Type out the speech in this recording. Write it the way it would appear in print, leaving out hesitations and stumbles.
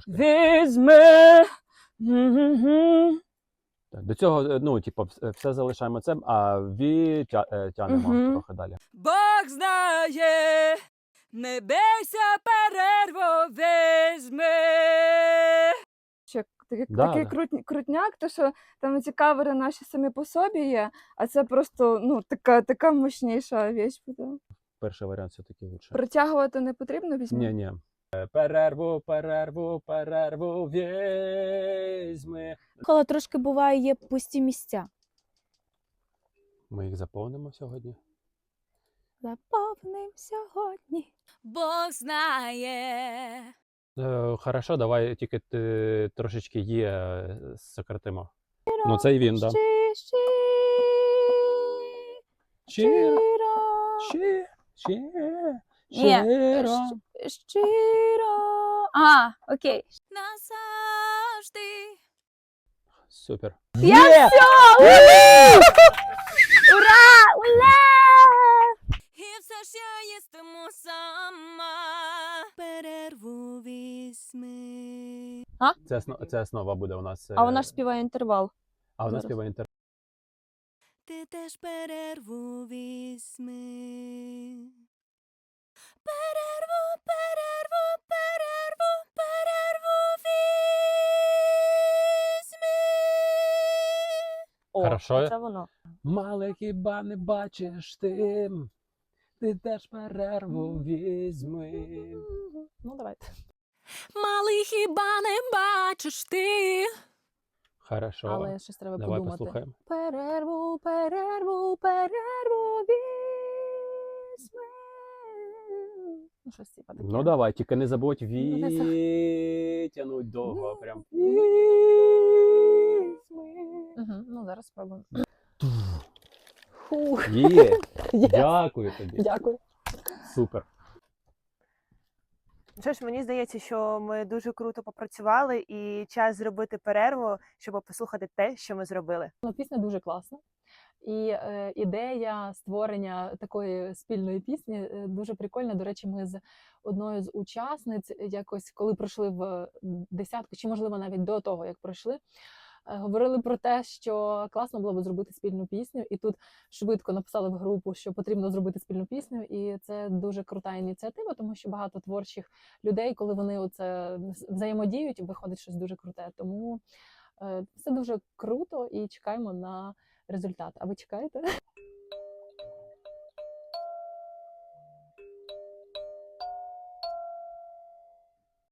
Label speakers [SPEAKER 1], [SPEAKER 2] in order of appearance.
[SPEAKER 1] візьми.
[SPEAKER 2] До цього, ну, типу, все залишаємо це, а тянемо трохи далі.
[SPEAKER 1] Бог знає, не бійся, перерву візьми. Такий крутняк, то що там ці кавери наші самі по собі є, а це просто, ну, така мощніша вещь буде.
[SPEAKER 2] Перший варіант все-таки лучше.
[SPEAKER 1] Протягувати не потрібно, візьми?
[SPEAKER 2] Ні. Перерву візьми.
[SPEAKER 3] Коли трошки буває, є пусті місця.
[SPEAKER 2] Ми їх заповнимо сьогодні.
[SPEAKER 3] Заповним сьогодні.
[SPEAKER 1] Бог знає.
[SPEAKER 2] Хорошо, давай тільки трошечки є сократимо. Ну це і він, так. Да. Щиро.
[SPEAKER 3] Щиро. А, окей.
[SPEAKER 1] Назавжди.
[SPEAKER 2] Супер.
[SPEAKER 3] Я все! Ура! Ура!
[SPEAKER 1] І все ж я їстиму сама. Перерву візьми.
[SPEAKER 2] Це основа буде у нас.
[SPEAKER 3] А вона ж співає інтервал.
[SPEAKER 2] А вона
[SPEAKER 3] зараз.
[SPEAKER 2] співає інтервал.
[SPEAKER 1] Ти теж перерву візьми. Перерву візьми.
[SPEAKER 3] О,
[SPEAKER 2] Хорошо.
[SPEAKER 3] це воно.
[SPEAKER 2] Мале хіба не бачиш ти теж перерву візьми.
[SPEAKER 3] Ну, давайте.
[SPEAKER 1] Малий хіба не бачиш ти?
[SPEAKER 2] Хорошо.
[SPEAKER 3] Але щось треба
[SPEAKER 2] Давай
[SPEAKER 3] подумати.
[SPEAKER 2] послухаємо.
[SPEAKER 3] Перерву візьми. Ну, щось типа таке.
[SPEAKER 2] Ну давай, тільки не забудь витягнуть довго. Прям.
[SPEAKER 3] Ну, зараз спробуємо.
[SPEAKER 2] Є. Дякую тобі.
[SPEAKER 3] Дякую.
[SPEAKER 2] Супер.
[SPEAKER 4] Що ж, мені здається, що ми дуже круто попрацювали і час зробити перерву, щоб послухати те, що ми зробили.
[SPEAKER 3] Ну, пісня дуже класна. І ідея створення такої спільної пісні дуже прикольна. До речі, ми з одною з учасниць якось, коли пройшли в десятку, чи можливо навіть до того, як пройшли, говорили про те, що класно було б зробити спільну пісню, і тут швидко написали в групу, що потрібно зробити спільну пісню, і це дуже крута ініціатива, тому що багато творчих людей, коли вони оце взаємодіють, виходить щось дуже круте. Тому все дуже круто і чекаємо на результат. А ви чекаєте?